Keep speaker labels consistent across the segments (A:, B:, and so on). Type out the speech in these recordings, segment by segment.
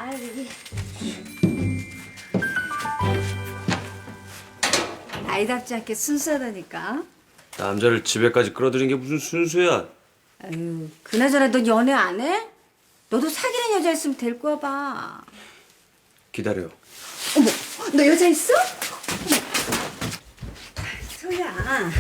A: 아 여기 아이답지 않게 순수하다니까.
B: 남자를 집에까지 끌어들인 게 무슨 순수야?
A: 아유, 그나저나 너 연애 안 해? 너도 사귀는 여자 있으면 데리고 와봐.
B: 기다려.
A: 어머, 너 여자 있어? 소야,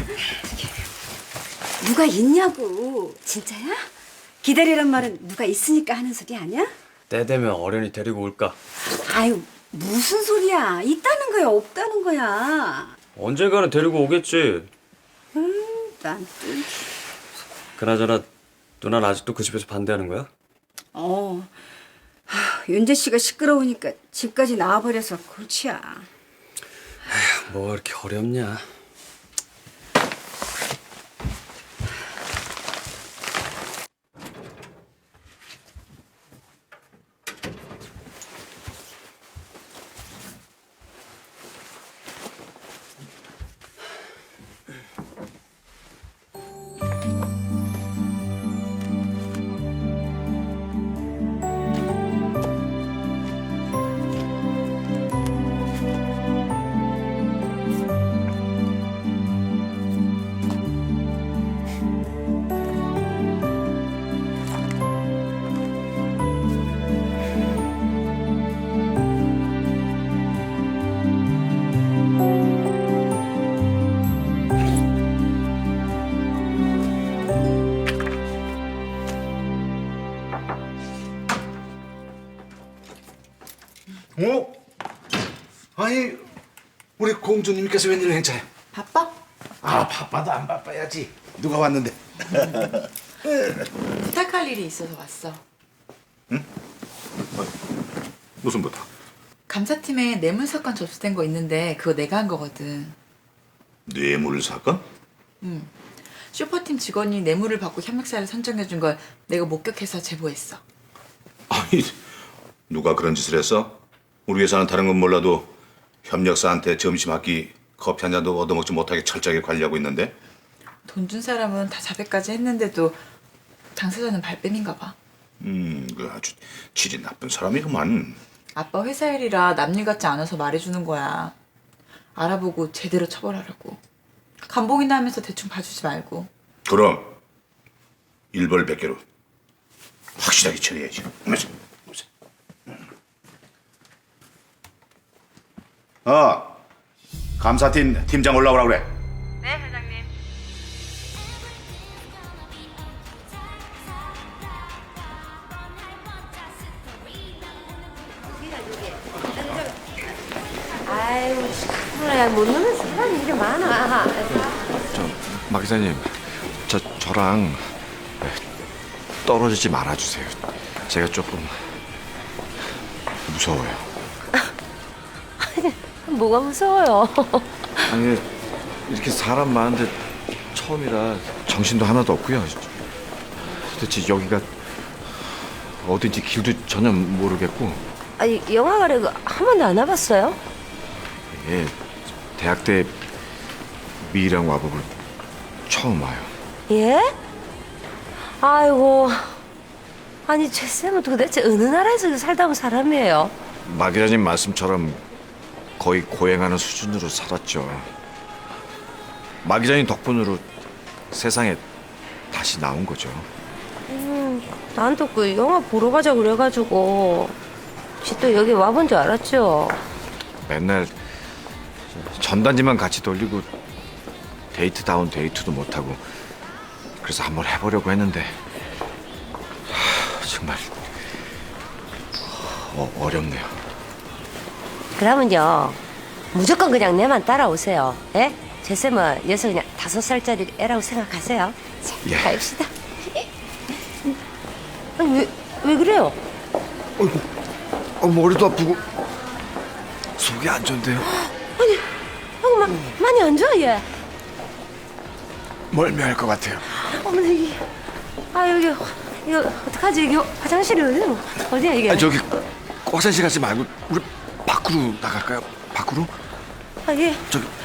A: 누가 있냐고. 진짜야? 기다리란 말은 누가 있으니까 하는 소리 아니야?
B: 때 되면 어련히 데리고 올까?
A: 아유, 무슨 소리야. 있다는 거야, 없다는 거야.
B: 언젠가는 데리고 오겠지.
A: 난 또...
B: 그나저나 누나는 아직도 그 집에서 반대하는 거야?
A: 윤재 씨가 시끄러우니까 집까지 나와버려서 골치야.
B: 뭐가 그렇게 어렵냐?
C: 어? 아니 우리 공주님께서 웬일 행차야?
D: 바빠?
C: 아 바빠도 안 바빠야지. 누가 왔는데?
D: 부탁할 일이 있어서 왔어.
C: 무슨 부탁?
D: 감사팀에 뇌물 사건 접수된 거 있는데 그거 내가 한 거거든.
C: 뇌물 사건?
D: 슈퍼팀 직원이 뇌물을 받고 협력사를 선정해 준 걸 내가 목격해서 제보했어.
C: 아니 누가 그런 짓을 했어? 우리 회사는 다른 건 몰라도 협력사한테 점심 한 끼, 커피 한 잔도 얻어먹지 못하게 철저하게 관리하고 있는데?
D: 돈 준 사람은 다 자백까지 했는데도 당사자는 발뺌인가 봐.
C: 그 아주 질이 나쁜 사람이구만.
D: 아빠 회사 일이라 남일 같지 않아서 말해주는 거야. 알아보고 제대로 처벌하라고. 감봉이나 하면서 대충 봐주지 말고.
C: 그럼 일벌백계로 확실하게 처리해야지. 감사팀 팀장 올라오라 그래.
D: 네, 회장님.
A: 아이고, 참나, 못 노는 사람이 이렇게 많아.
E: 막 기사님, 저랑 떨어지지 말아주세요. 제가 조금 무서워요.
A: 뭐가 무서워요?
E: 아니 이렇게 사람 많은데 처음이라 정신도 하나도 없고요. 도대체 여기가 어딘지 길도 전혀 모르겠고.
A: 아니, 영화관에 한 번도 안 와봤어요?
E: 예, 대학 때 미희랑 와보고 처음 와요.
F: 예? 아이고, 아니 최 쌤은 도대체 어느 나라에서 살다 온 사람이에요?
E: 막 기자님 말씀처럼 거의 고행하는 수준으로 살았죠. 막 기자님 덕분으로 세상에 다시 나온 거죠.
F: 난 또 그 영화 보러 가자 그래가지고 또 여기 와본 줄 알았죠.
E: 맨날 전단지만 같이 돌리고 데이트다운 데이트도 못하고 그래서 한번 해보려고 했는데 정말 어렵네요.
F: 그러면요 무조건 그냥 내만 따라오세요. 예? 제 쌤은 여기서 그냥 5살짜리 애라고 생각하세요. 자,
E: 예.
F: 가입시다. 아니 왜 그래요?
E: 머리도 아프고 속이 안 좋은데요.
F: 아이고 많이 안 좋아 얘.
E: 멀미할 것 같아요.
F: 어머나 여기 이거 어떡하지? 이게 화장실이 어디야 이게?
E: 저기 화장실 가지 말고 우리 밖으로 나갈까요? 밖으로?
F: 예.
E: 저기